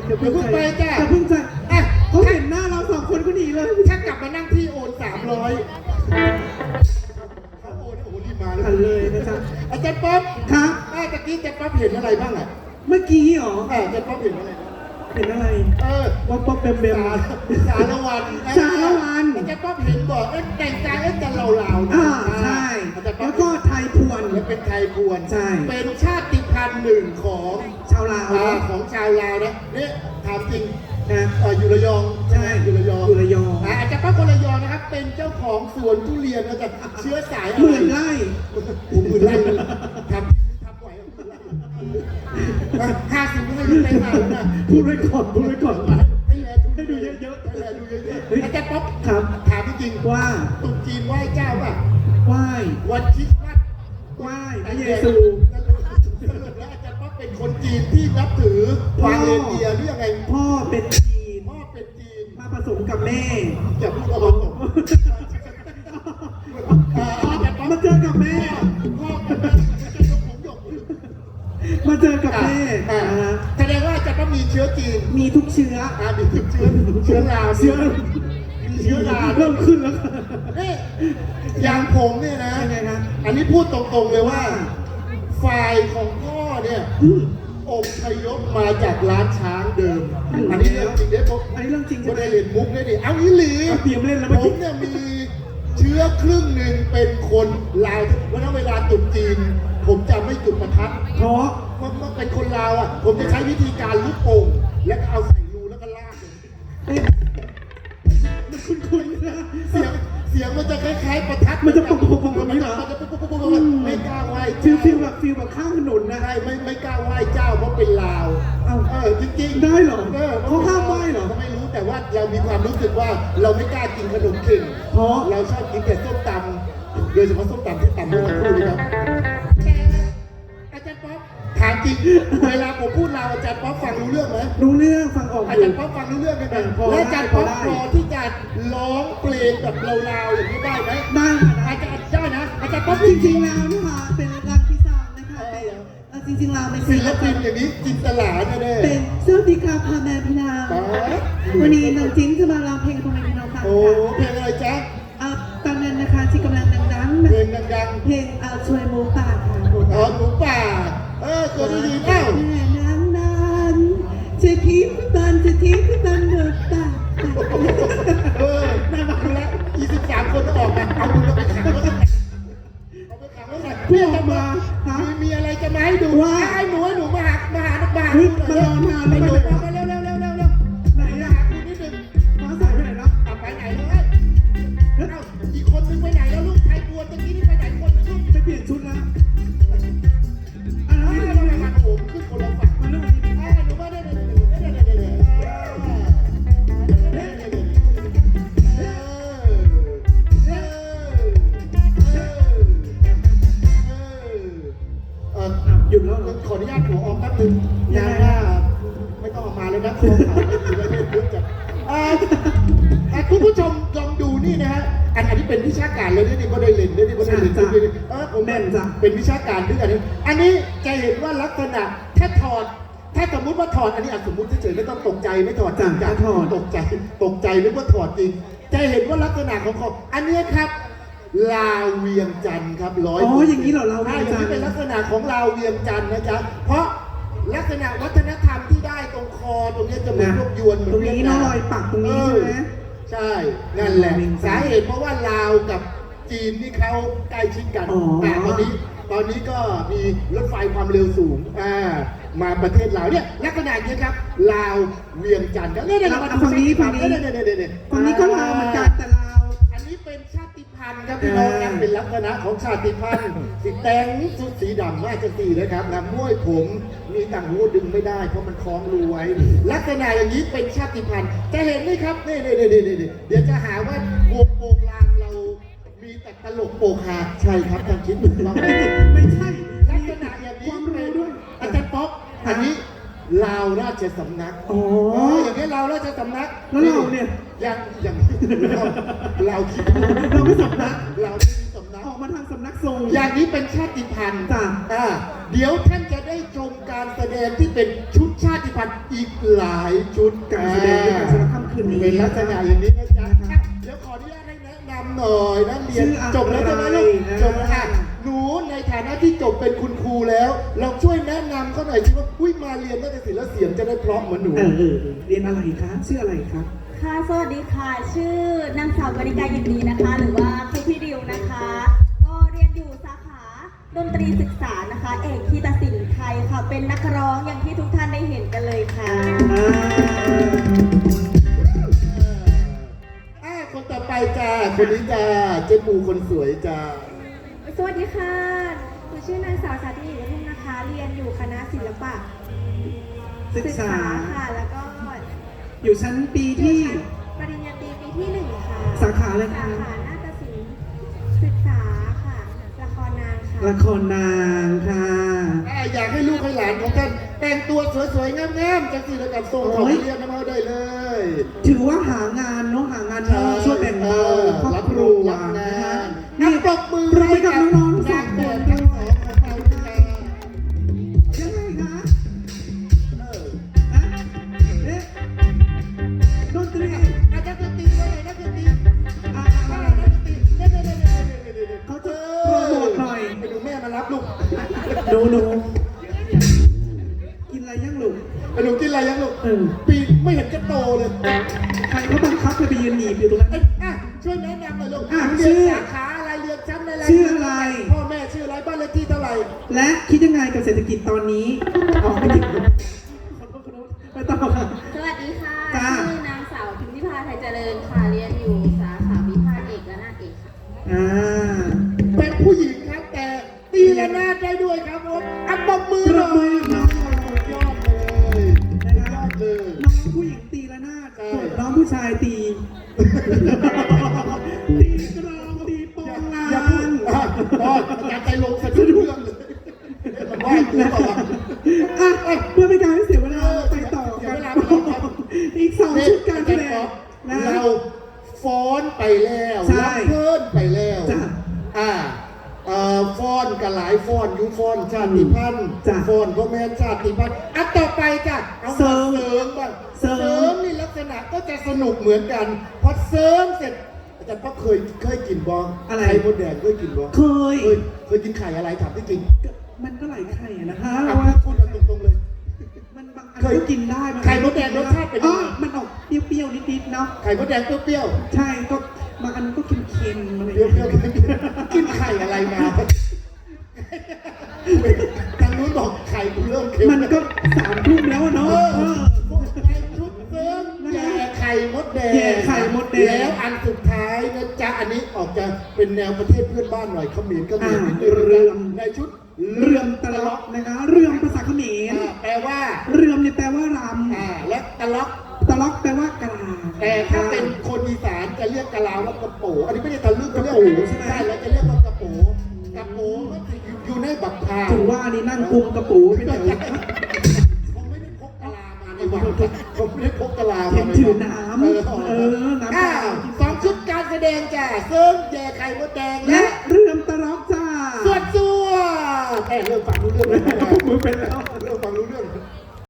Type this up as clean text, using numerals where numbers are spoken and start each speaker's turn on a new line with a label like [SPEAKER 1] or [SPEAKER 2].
[SPEAKER 1] อย่าเพิ่งไปจ้ะ
[SPEAKER 2] อย่าเพิ่งใจ
[SPEAKER 1] อ่ะ
[SPEAKER 2] เขาเห็นหน้าเราสองคนก็หนีเลย
[SPEAKER 1] ถ้ากลับมานั่งที่โอน300เขาโอนโอ้โหรีบมา
[SPEAKER 2] ทันเลยนะจ๊ะ
[SPEAKER 1] อาจารย์ป๊อป
[SPEAKER 2] ครับ
[SPEAKER 1] ตะกี้อาจารย์ป๊อปเห็นอะไรบ้างอ่ะ
[SPEAKER 2] เมื่อกี้เหรอ
[SPEAKER 1] อาจารย์ป๊อปเห็นอะไรบ้าง
[SPEAKER 2] เห็นอะไร ป๊อปป๊อปเบมเบม
[SPEAKER 1] สารวัน
[SPEAKER 2] สารวัน
[SPEAKER 1] อาจารย์ป๊อปเห็นบอกแต่งกายจะเรา
[SPEAKER 2] ใช่
[SPEAKER 1] อาจารย์ป๊อ
[SPEAKER 2] แล้
[SPEAKER 1] ป
[SPEAKER 2] วก็ไทยพวน
[SPEAKER 1] แล้วเป็นไทยพวน
[SPEAKER 2] ใช่
[SPEAKER 1] เป็นชาติพันธุ์หนึ่งของ
[SPEAKER 2] ชาวลาว
[SPEAKER 1] ของชาวลาวนะเนี่ยถามจริง
[SPEAKER 2] นะ
[SPEAKER 1] อยู่ระยอง
[SPEAKER 2] ใช่
[SPEAKER 1] อยู่ระยอง
[SPEAKER 2] อยู่ระยอง
[SPEAKER 1] อาจารย์ป๊อปคนระยองนะครับ เป็นเจ้าของสวนทุเรียนนะจ๊ะเชื้อสายอะไร
[SPEAKER 2] หมื่นไร่
[SPEAKER 1] หมื่นไร่ทำไหว50ไม่ให้ดูไปมาแล้วนะ
[SPEAKER 2] พูดไว้ก่อนพูดไว้ก่อน
[SPEAKER 1] ให้ดูเยอะๆให้ดูเยอะๆอาจารย์ป๊อป
[SPEAKER 2] ครับ
[SPEAKER 1] ถามจริงๆ
[SPEAKER 2] ว่า
[SPEAKER 1] ตุ๊กจีนไหว้เจ้าป่ะ
[SPEAKER 2] ไหว้
[SPEAKER 1] วันคริสต์มาส
[SPEAKER 2] ไหว้พระเยซู
[SPEAKER 1] สรุปแล้วอาจารย์ป๊อปเป็นคนจีนที่นับถือวางเรนเดียร์หรือยังไง
[SPEAKER 2] พ่อเป็นจีน
[SPEAKER 1] พ่อเป็นจีน
[SPEAKER 2] มาผสมกับแม่
[SPEAKER 1] อย่าพูดเอาตรง
[SPEAKER 2] มาเจอกับแม่
[SPEAKER 1] พ่อกับแม่จะยกผมยก
[SPEAKER 2] มาเจอกับแม่
[SPEAKER 1] แสดงว่าอาจารย์ป๊อปมีเชื้อจีน
[SPEAKER 2] มีทุกเชื้อ
[SPEAKER 1] มีเชื้อลาว
[SPEAKER 2] เชื้อ
[SPEAKER 1] มีเชื้อลาว
[SPEAKER 2] เริ่มขึ้นแล้ว
[SPEAKER 1] นี่อย่างผมเนี่ยนะ
[SPEAKER 2] ยังไงครับ
[SPEAKER 1] อันนี้พูดตรงๆเลยว่า ฝ่ายของพ่อเนี่ยอพยพมาจากร้านช้างเดิม อันนี้เรื่องจริงเด้ผม
[SPEAKER 2] อันนี้เรื่องจริง
[SPEAKER 1] ก็
[SPEAKER 2] ใช่ไหม
[SPEAKER 1] ได้เรียนมุกได้ดิเอาอีหลี
[SPEAKER 2] เตรียมเล่นแล้ว
[SPEAKER 1] ผ
[SPEAKER 2] เมื่อกี้
[SPEAKER 1] มเนี่ยมีเชื้อครึ่งหนึ่งเป็นคนลาวเพราะนั้นเวลาจุดจีน ผมจะไม่จุดประทัด
[SPEAKER 2] เพราะ
[SPEAKER 1] เมื่อเป็นคนลาวอ่ะ ผมจะใช้วิธีการลูกโป่งแล้วก็เอาใส่รูแล้วก็ลากเลย
[SPEAKER 2] เอ๊ะมันคุ้นๆนะ
[SPEAKER 1] เสียงมันจะคล้ายๆประทัด
[SPEAKER 2] มันจะปุบๆๆแบบนี้เหรอ
[SPEAKER 1] มันจะปุบๆไม่กล้าไหว้
[SPEAKER 2] ฟิล
[SPEAKER 1] เจ้า
[SPEAKER 2] แบบข้างถนนนะ
[SPEAKER 1] ใช่ไม่กล้าไหว้เจ้าเพราะเป็นลาว
[SPEAKER 2] เอ้า
[SPEAKER 1] จริงๆ
[SPEAKER 2] ได้เหรอเขาห้ามไหว้เหรอ
[SPEAKER 1] ก็ไม่รู้แต่ว่าเรามีความรู้สึกว่าเราไม่กล้ากินขนมเข่ง
[SPEAKER 2] เพราะ
[SPEAKER 1] เราชอบกินแต่ส้มตำโดยเฉพาะส้มตำที่ตำเมื่อสักครู่นี้ครับอาจารย์ป๊อปถามจริงเวลาผมพูดลาวอาจารย์ป๊อปฟังรู้เรื่องไหม
[SPEAKER 2] รู้เรื่องฟังออก
[SPEAKER 1] อา
[SPEAKER 2] อยู่
[SPEAKER 1] จารย์ป๊อปฟังรู้เรื่องไหม
[SPEAKER 2] พอได้
[SPEAKER 1] และอาจารย์ป๊อป
[SPEAKER 2] พอได้
[SPEAKER 1] พอที่จะร้องเพลงแบบลาวๆอย่างนี้ได้ไหม
[SPEAKER 2] ได้ค่ะได้
[SPEAKER 1] อาจารย์ได้นะอาจารย์ป๊อป
[SPEAKER 2] จริงๆแล้วนะคะเป็นรักที่สามนะคะเป็นจริงๆเราเป็น
[SPEAKER 1] ศิลปินอย่างนี้จินตลาแน่ๆ
[SPEAKER 2] เป็นสวัสดีค่ะพ่อแม่พี่น้องวันนี้น้องจิ้นจะมาร้องเพลงพ่อแม่พี่น้องฟัง
[SPEAKER 1] โอ้
[SPEAKER 2] ค่ะ
[SPEAKER 1] เพลงอะไรจ๊ะ
[SPEAKER 2] ตอนนั้นนะคะที่กำลังดังๆ
[SPEAKER 1] เพลงดัง
[SPEAKER 2] เพลงช่วยหมูป่าค่ะ
[SPEAKER 1] ๆหมูป่าเคยได้ยินเอ้า
[SPEAKER 2] แม่นางนั้นจะทิพย์บันจะทิพย์บันหมูป่า
[SPEAKER 1] น่ารักแล้ว23 คนออกมาเอามือไปขังไว้เอาไปขังไว้ไหน
[SPEAKER 2] เพื่อมาฮะ
[SPEAKER 1] มีอะไรจะมาให้ดู
[SPEAKER 2] ว่า
[SPEAKER 1] ไอ้หนูมาหาดูหน่อย
[SPEAKER 2] มารอนาน
[SPEAKER 1] ไอ้หนู
[SPEAKER 2] แล้ว
[SPEAKER 1] มาเร็ว
[SPEAKER 2] ไหน
[SPEAKER 1] หา
[SPEAKER 2] อะ
[SPEAKER 1] คุณนิดนึง
[SPEAKER 2] ฟ้าใสไปไหนแล้ว
[SPEAKER 1] ไปไหนเลยเอ้าอีกคนนึงไปไหนแล้วลูกไทยบัวตะกี้นี่ไปไหนคนนึงลูก
[SPEAKER 2] ไปเปลี่ยนชุดแล้ว
[SPEAKER 1] เรามาโอ้ขึ้นคนละฝั่ง
[SPEAKER 2] มาเรื่อง
[SPEAKER 1] หนูมาได้
[SPEAKER 2] หยุดแล้วเหรอ
[SPEAKER 1] ขออนุญาตหัวออกแป๊บนึงงานหน้าไม่ต้องออกมาเลยนะคอขาดไม่ดีแล้วเยอะจัดคุณผู้ชมลองดูนี่นะฮะอันนี้เป็นวิชาการเลยนี่ก็ได้เล่นนี่ก็ได้เล่นผมเป็นวิชาการด้วยอันนี้จะเห็นว่าลักษณะถ้าถอดถ้าสมมติว่าถอดอันนี้สมมติเฉยๆไม่ต้องตกใจไม่ถอดจริงจังตกใจนึกว่าถอดจริงจะเห็นว่าลักษณะของเขาอันนี้ครับลาวเวียงจันทร์ครับ100
[SPEAKER 2] อย่างนี้เหรอเรา
[SPEAKER 1] อย่างนี้เป็นลักษณะของลาวเวียงจันทร์นะจ๊ะเพราะลักษณะวัฒนธรรมที่ได้ตรงคอตรงนี้จะเหมือนลูกยวนเหมือน
[SPEAKER 2] ตรงนี้เนาะรอยปักตรงนี้ใช่ไหม
[SPEAKER 1] ใช่นั่นแหละสาเหตุเพราะว่าลาวกับจีนนี่เขาใกล้ชิดกันแต่ตอนนี้ก็มีรถไฟความเร็วสูงมาประเทศลาวเนี่ยลักษณะนี้ครับลาวเวียงจันทร์เนี่ยเรามาดู
[SPEAKER 2] ฝั่งนี้
[SPEAKER 1] ฝั่
[SPEAKER 2] ฝั่
[SPEAKER 1] ง
[SPEAKER 2] ง
[SPEAKER 1] นี้
[SPEAKER 2] นี้ฝั่งนี้ก็ลาวเหมือนกันแต่ลาว
[SPEAKER 1] อันนี้เป็นชาติพันธุ์ครับพี่น้องครับเป็นลักษณะของชาติพันธุ์สีแดงสุดสีดำมากจะสีนะครับนะม้วยผมมีต่างหูดึงไม่ได้เพราะมันคล้องรูไว้ลักษณะอย่างนี้เป็นชาติพันธุ์จะเห็นไหมครับนี่เดี๋ยวจะหาว่าวงโปงลางเรามีแต่ตลกโปกฮาใช่ครับทางคิดถูกต้อง
[SPEAKER 2] ไม่ใช่
[SPEAKER 1] ลักษณะอย่างนี้เป็นอาจารย์ป๊อกอันนี้ลาวราชสำนักอย่างนี้ลาวราชสำนัก
[SPEAKER 2] แล้วเราเนี่ย
[SPEAKER 1] อย่างเราคิด
[SPEAKER 2] เราไม่สำนัก
[SPEAKER 1] เราไม่มีสำนัก
[SPEAKER 2] ออกมาทางสำนักทรง
[SPEAKER 1] อย่างนี้เป็นชาติพันธุ์
[SPEAKER 2] จ้ะ
[SPEAKER 1] เดี๋ยวท่านจะได้ชมการแสดงที่เป็นชุดชาติพันธุ์ภัณฑ์อีกหลายชุด
[SPEAKER 2] การแสดงด้วยกันสำหรับค่ำคืนนี้
[SPEAKER 1] เป็นลักษณะอย่างนี้นะจ๊ะอ่ะเดี๋ยวขออนุญาตให้แนะนำหน่อยนักเรียน
[SPEAKER 2] ชื่ออะไร
[SPEAKER 1] จบแล้วใช่ไหมลูกจบแล้วค่ะหนูในฐานะที่จบเป็นคุณครูแล้ว เราช่วยแนะนำเขาหน่อยสิว่าอุ้ยมาเรียนนาฏศิลป์แล้วเสียงจะได้เพราะเหมือนหนู
[SPEAKER 2] เรียนอะไรคะชื่ออะไรคะ
[SPEAKER 3] ค่ะ สวัสดีค่ะ ชื่อนางสาวกนิกายินดีนะคะ หรือว่าครูพี่ดิวนะคะ ก็เรียนอยู่สาขาดนตรีศึกษานะคะ เอกคีตศิลป์ไทยค่ะ เป็นนักร้องอย่างที่ทุกท่านได้เห็นกันเลยค่ะ
[SPEAKER 1] คนต่อไปจ้าคนนี้จ้าเจ๊ปูคนสวยจ้า
[SPEAKER 3] สวัสดีค่ะหนูชื่อนางสาวสาธิตอยู่ทุ่งนะคะ เรียนอยู่คณะศิลปะ
[SPEAKER 2] ศึกษา
[SPEAKER 3] ค่ะ แล้วก็
[SPEAKER 2] อยู่ชั้นปีที่
[SPEAKER 3] ปริญญาตรีปีที่ 1 ค่ะ
[SPEAKER 2] สาขาอะไรคะ
[SPEAKER 3] สาขานาฏศิลป์ศึกษาค่ะ ละครนางค่ะ
[SPEAKER 2] ละครนางค่ะ
[SPEAKER 1] อยากให้ลูกให้หลานของท่านแต่งตัวสวยๆงามๆจังสิแล้วกับทรงของเรียนน้ำเอาได้เลย
[SPEAKER 2] ถือว่าหางานเนาะหางานช่วยแบ่งเบาครอบครัว
[SPEAKER 1] รับงา
[SPEAKER 2] นะคะ
[SPEAKER 1] น
[SPEAKER 2] นี่
[SPEAKER 1] ปรบมือ
[SPEAKER 2] ปรบมือกับน้องๆสองคน
[SPEAKER 1] ทั้งสองของเราด้วยนะ
[SPEAKER 2] ยังไงคะ
[SPEAKER 1] เออ
[SPEAKER 2] อะเอ๊ะดนตรี
[SPEAKER 1] อาจารย์ดนตรีว่าไงนักดนตรี
[SPEAKER 2] อ่ะ
[SPEAKER 1] ว่าไงนักดนตรีเดี๋ยวๆๆๆๆๆ
[SPEAKER 2] เขาจะโปรโมทหน่อย
[SPEAKER 1] ไปดูแม่มารับลูก
[SPEAKER 2] หนูกินอะไรยังลูก
[SPEAKER 1] ไปดูกินอะไรยังลูก
[SPEAKER 2] เออ
[SPEAKER 1] ปีไม่เห็นจะโตเลย
[SPEAKER 2] ใครเขาบังคับให้ไปยืนหนีบอยู่ตรงนั้น
[SPEAKER 1] ช่วยแนะนำหน่อยลูก
[SPEAKER 2] อ่ะ
[SPEAKER 1] เรี
[SPEAKER 2] ชื่
[SPEAKER 1] ยน
[SPEAKER 2] อ
[SPEAKER 1] สาขาอะไรเรียนชั้นอะไร
[SPEAKER 2] ชื่ออะไร
[SPEAKER 1] พ่อแม่ชื่ออะไรบ้านเลขที่เท่าไหร่
[SPEAKER 2] และคิดยังไงกับเศรษฐกิจตอนนี้ออกไม่ถึงไปต่อค่ะ
[SPEAKER 3] สวัสดีค่ะ
[SPEAKER 2] จ้า
[SPEAKER 3] ชื่อนางสาวพิมพิพาไทยเจริญค่ะ เรียนอยู่สาขาวิพากษ์เอกและนาฏเอกค่ะ
[SPEAKER 2] อ่า
[SPEAKER 1] เป็นผู้หญิงครับแต่ตีระนาดได้ด้วยครับผมอัปปมือ
[SPEAKER 2] ป
[SPEAKER 1] ห
[SPEAKER 2] ร
[SPEAKER 1] น่
[SPEAKER 2] บ
[SPEAKER 1] อ
[SPEAKER 2] มือย น้อง
[SPEAKER 1] สุดยอดเลยสุดยอดเลย
[SPEAKER 2] น้องผู้หญิงตีละนาด
[SPEAKER 1] ใช่
[SPEAKER 2] ส่วนน้องผู้ชายตี ตีกรองตีโปงลา
[SPEAKER 1] อย่าพูด
[SPEAKER 2] น
[SPEAKER 1] พ่ออาจารย์ใจลงสะดุ้งเรื่องเลยมันว่ากูเปล่าวะ
[SPEAKER 2] อ่ะเพื่อไม่การให้เสียเวลาไปต่อ
[SPEAKER 1] เสีย
[SPEAKER 2] กัน
[SPEAKER 1] เวลาไปแล้วครับ
[SPEAKER 2] อีกสองชุดการแสดงนะ
[SPEAKER 1] เราฟ้อนไปแล้ว
[SPEAKER 2] ใช่
[SPEAKER 1] รับเพิ่นไปแล้ว
[SPEAKER 2] จ้ะ
[SPEAKER 1] ฟ้อนกับหลายฟ้อนยุฟ้อนชาติพันธุ์
[SPEAKER 2] จ้ะ
[SPEAKER 1] ฟ้อนพ่อแม่ชาติพันธุ์อ่ะต่อไปจ้ะเอา
[SPEAKER 2] เสริ
[SPEAKER 1] มาม เสริมบ้าง
[SPEAKER 2] เสริม
[SPEAKER 1] นี่ลักษณะก็จะสนุกเหมือนกันพอเสริมเสร็จอาจารย์พ่อเคยกินบ้าง
[SPEAKER 2] อะไร
[SPEAKER 1] ไข่มดแดงเคยกินบ้าง
[SPEAKER 2] เคย
[SPEAKER 1] เคยกินไข่อะไรถามที่จริง
[SPEAKER 2] มันก็หลายไข่อะนะคะ
[SPEAKER 1] อ่ะ
[SPEAKER 2] ว่า
[SPEAKER 1] พูดกันตรงๆเลย
[SPEAKER 2] มันบางอัน
[SPEAKER 1] เคย
[SPEAKER 2] ก็กินได้บางอัน
[SPEAKER 1] ไข่มดแดงรสชาติเป็นยังไง
[SPEAKER 2] มันออกเปรี้ยวๆนิดๆเนาะ
[SPEAKER 1] ไข่มดแดงเปรี้ยว
[SPEAKER 2] ใช่ก็บางอันก็เค็มๆอะไร
[SPEAKER 1] ๆ
[SPEAKER 2] อ
[SPEAKER 1] เปรี้
[SPEAKER 2] ย่าง
[SPEAKER 1] ยว
[SPEAKER 2] เงี้ย
[SPEAKER 1] ๆกินไข่อะไรมาทางนู้นบอกไข่กูเริ่มเค็ม
[SPEAKER 2] มันก็3 ทุ่มแล้วอะเนาะ
[SPEAKER 1] ในชุดเสริมแย่ไข่มดแดง
[SPEAKER 2] แย่ไข่มดแดง
[SPEAKER 1] แล้วอันสุดท้ายนะจ๊ะอันนี้ออกจะเป็นแนวประเทศเพื่อนบ้านหน่อยเขมรก็มีนิดนึง
[SPEAKER 2] เรือม
[SPEAKER 1] ในชุด
[SPEAKER 2] เรื่อมตะล็อกนะคะ เรื่อมภาษาเขมร
[SPEAKER 1] แปลว่า
[SPEAKER 2] เรื่อมเนี่ยแปลว่าร
[SPEAKER 1] และตะล็อก
[SPEAKER 2] ำตะล็อกแปลว่ากลา
[SPEAKER 1] แต่ถ้าเป็นคนอีสานจะเรียกกะลาว่ากระโปอันนี้ไม่ได้ทะลึ่งเขาเรียก
[SPEAKER 2] กระโปใช่ไหม
[SPEAKER 1] ใช่แล้วจะเรียกว่ากระโปกระโปก็จะอยู่ในบักพร้าว
[SPEAKER 2] ถึงว่านี่นั่งกุมกระปูไปไหน
[SPEAKER 1] เขาไม่ได้พกกะลามาในวังเขาไม่ได้พกกะลามา
[SPEAKER 2] เห็นถือน้ำ น้ำ
[SPEAKER 1] อ้าวสองชุดการแสดงจ้ะเซิร์ฟแย่ไข่มดแดง
[SPEAKER 2] และ
[SPEAKER 1] และ
[SPEAKER 2] เรื่อมตะล็อกจ้า
[SPEAKER 1] ส่วนแต่เริ่มฟังรู้เรื่องแล้ว
[SPEAKER 2] มือเป็นแล้ว